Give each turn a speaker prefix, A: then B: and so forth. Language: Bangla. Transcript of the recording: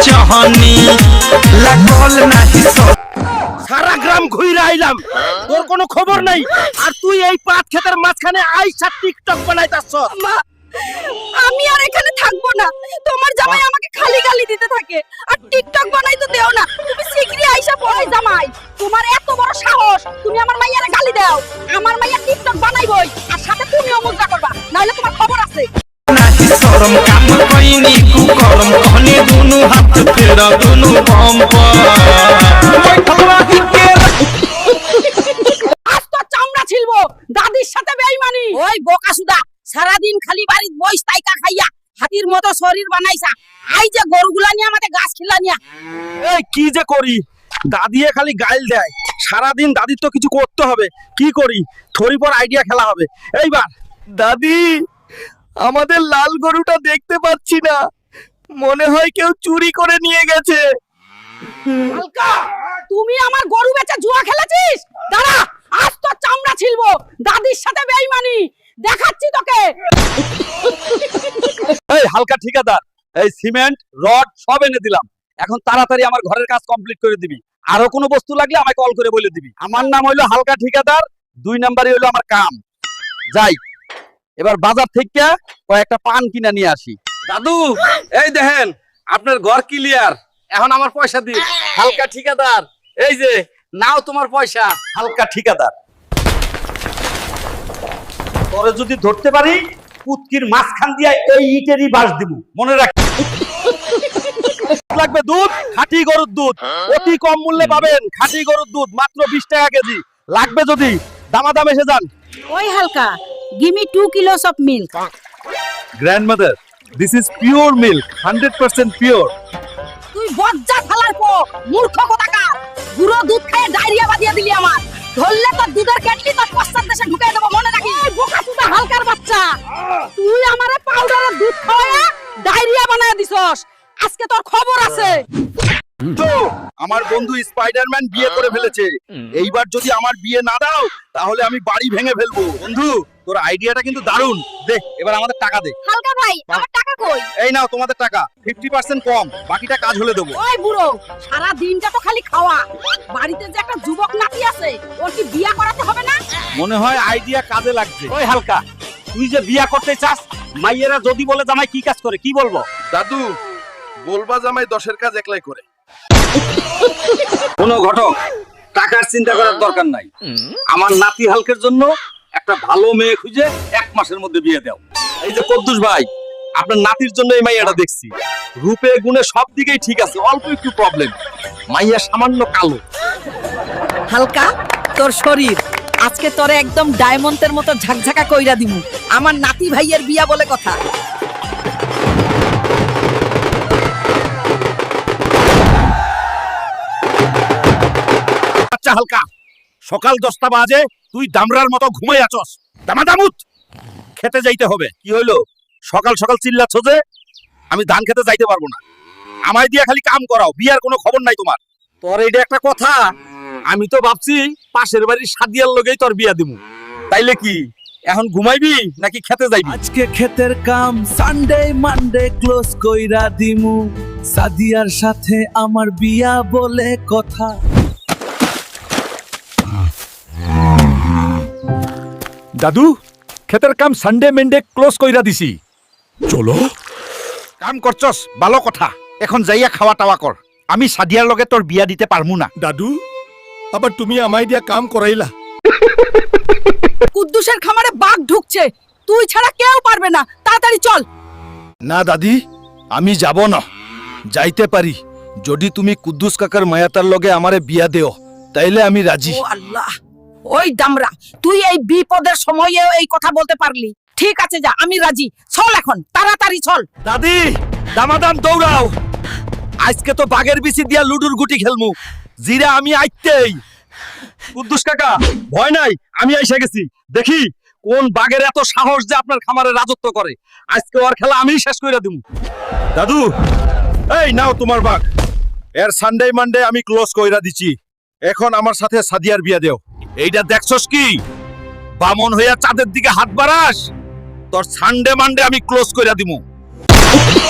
A: চাহনি লাগল নাহি সারা গ্রাম ঘুরে আইলাম, তোর কোনো খবর নাই। আর তুই এই পাট ক্ষেতের মাঝখানে আইসা টিকটক বানাইতাছ।
B: আমি আর এখানে থাকবো না। তোমার জামাই আমাকে খালি গালি দিতে থাকে আর টিকটক বানাই তো দেও না। তুমি শিগগিরই আইসা পড়াই জামাই, তোমার এত বড় সাহস তুমি আমার মাইয়ারে গালি দাও। আমার মাইয়া টিকটক বানাইবই আর সাথে তুমিও মজা করবা, নাহলে তোমার খবর আছে।
A: নাহি শরম কাম কইনি কুকরম কহনি দুনু হাত ফেরা দুনু বম্প
B: আজ তো চামড়া ছিলবো দাদির সাথে বেইমানি। ওই বোকাসুদা সারা দিন খালি বাড়িতে বইস তাইকা খাইয়া হাতির মতো শরীর বানাইছা। আই যে গরুগুলা নিয়ে আমাদের গাছ খিলা নিয়া।
A: এই কি যে করি, দাদিয়ে খালি গাইল দেয়। সারা দিন দাদির তো কিছু করতে হবে, কি করি? থরি পর আইডিয়া খেলা হবে এইবার। দাদি, আমাদের লাল গরুটা দেখতে পাচ্ছি না, মনে হয় কেউ চুরি করে নিয়ে গেছে।
B: হালকা, তুমি আমার গরু বেচে জুয়া খেলেছিস? দাঁড়া, আজ তো চামড়া ছিলবো দাদির সাথে বেইমানি দেখাচ্ছি তোকে।
A: এই হালকা ঠিকাদার, এই সিমেন্ট রড সব এনে দিলাম, এখন তাড়াতাড়ি আমার ঘরের কাজ কমপ্লিট করে দিবি। আরো কোনো বস্তু লাগলে আমায় কল করে বলে দিবি। আমার নাম হইলো হালকা ঠিকাদার, 2 নাম্বারই হইলো আমার কাম। যাই এবার বাজার থেকে কয়েকটা পান কিনা নিয়ে আসি। দাদু, এই দেখেন আপনার ঘর ক্লিয়ার, এখন আমার পয়সা দিন। হালকা ঠিকাদার, এই যে নাও তোমার পয়সা। হালকা ঠিকাদার, তোরে যদি ধরতে পারি পুতকির মাঝখান দিয়ে এই ইটেরই বাস দিব, মনে রাখ। লাগবে দুধ, খাঁটি গরুর দুধ, অতি কম মূল্যে পাবেন। খাঁটি গরুর দুধ মাত্র 20 টাকা কেজি। লাগবে যদি দামাদাম এসে যান।
B: ওই হালকা, give me 2 kilos of milk.
A: Grandmother, this is pure milk, 100% pure.
B: তুই বজ্জা ফালার পো মূর্খ কোথাকার, গুঁড়ো দুধ খেয়ে ডায়রিয়া বাদিয়ে দিলি আমার। ধরলে তোর দুধের কেটলি তোর পশ্চাৎ দেশে ঢুকিয়ে দেবো, মনে রাখিস। এই বোকাচোদা হালকার বাচ্চা, তুই আমারে পাউডারের দুধ খাওয়ায়া ডায়রিয়া বানায় দিছস। আজকে তোর খবর আছে।
A: তো আমার বন্ধু স্পাইডারম্যান বিয়ে করে ফেলেছে। এইবার যদি আমার বিয়ে না দাও তাহলে আমি বাড়ি ভেঙে ফেলবো। বন্ধু, তোর আইডিয়াটা কিন্তু দারুণ। দে এবার আমাদের টাকা দে।
B: হালকা ভাই, আমার টাকা কই?
A: এই নাও তোমাদের টাকা, 50% কম, বাকিটা কাজ হলে দেবো।
B: ওই বুড়ো, সারা দিনটা তো খালি খাওয়া। বাড়িতে যে একটা যুবক নাতি আছে, ওর কি বিয়া করাতে হবে না?
A: মনে হয় আইডিয়া কাজে লাগছে। ওই হালকা, তুই যে বিয়া করতে চাস, মাইয়েরা যদি বলে জামাই কি কাজ করে, কি বলবো?
C: দাদু, বলবা জামাই 10-এর কাজ একলাই করে।
A: কোনো ঘটক, টাকার চিন্তা করার দরকার নাই। আমার নাতি হালকের জন্য একটা ভালো মেয়ে খুঁজে 1 মাসের মধ্যে বিয়ে দাও। এই যে কদ্দুস ভাই, আপনার নাতির জন্য এই মাইয়াটা দেখছি, রূপে গুণে সব দিকেই ঠিক আছে, অল্প একটু প্রবলেম, মাইয়া সামান্য কালো।
B: হালকা, তোর শরীর আজকে তোরে একদম ডায়মন্ডের মতো ঝাকঝাকা কইরা দিমু। আমার নাতি ভাইয়ের বিয়া বলে কথা।
A: আচ্ছা হালকা, সকাল 10টা বাজে, তুই দামরার মতো ঘুমাই আছস। দামাদামুত, খেতে যাইতে হবে। কি হইলো, সকাল সকাল চিল্লাচ্ছ যে? আমি ধান খেতে যাইতে পারবো না, আমায় দিয়া খালি কাম করাও, বিয়ার কোনো খবর নাই তোমার। তোর এইটা একটা কথা? আমি তো ভাবছি পাশের বাড়ির সাদিয়ার লগেই তোর বিয়া দিমু। তাইলে কি এখন ঘুমাইবি নাকি খেতে যাইবি?
D: আজকে ক্ষেতের কাম সানডে মানডে ক্লোজ কইরা দিমু, সাদিয়ার সাথে আমার বিয়া বলে কথা।
E: দাদু, ক্ষেতের কাম সানডে মেন্ডে ক্লোজ কইরা দিছি।
A: চলো, কাম করছস ভালো কথা, এখন যাইয়া খাওয়া টাওয়া কর। আমি সাদিয়ার লগে তোর বিয়া দিতে পারমু না।
E: দাদু, আবার তুমি আমায় দিয়া কাম করাইলা।
B: কুদ্দুসের খামারে বাঘ ঢুকছে, তুই ছাড়া কেউ পারবে না, তাড়াতাড়ি চল।
E: না দাদি, আমি যাব না। যাইতে পারি যদি তুমি কুদ্দুস কাকার মায়াতার লগে আমারে বিয়া দেও, তাইলে আমি রাজি।
B: ও আল্লাহ, ওই দামরা, তুই এই বিপদের সময়েও এই কথা বলতে পারলি। ঠিক আছে যা, আমি রাজি। চল এখন, তাড়াতাড়ি চল।
A: দাদি, দামাদাম দৌড়াও, আজকে তো বাঘের বিচি দিয়া লুডুর গুটি খেলমু। জিরা আমি আইতেই। কুদ্দুস কাকা, ভয় নাই, আমি আইসা গেছি। দেখি কোন বাঘের এত সাহস যে আপনার খামারে রাজত্ব করে। আজকে ওর খেলা আমিই শেষ কইরা দিমু। দাদু, এই নাও তোমার বাঘ। এর সানডে মানডে আমি ক্লোজ কইরা দিছি। এখন আমার সাথে সাদিয়ার বিয়া দেও। এইটা দেখছস কি, বামন হইয়া চাঁদের দিকে হাত বাড়াস? তোর সানডে মানডে আমি ক্লোজ কইরা দিমু।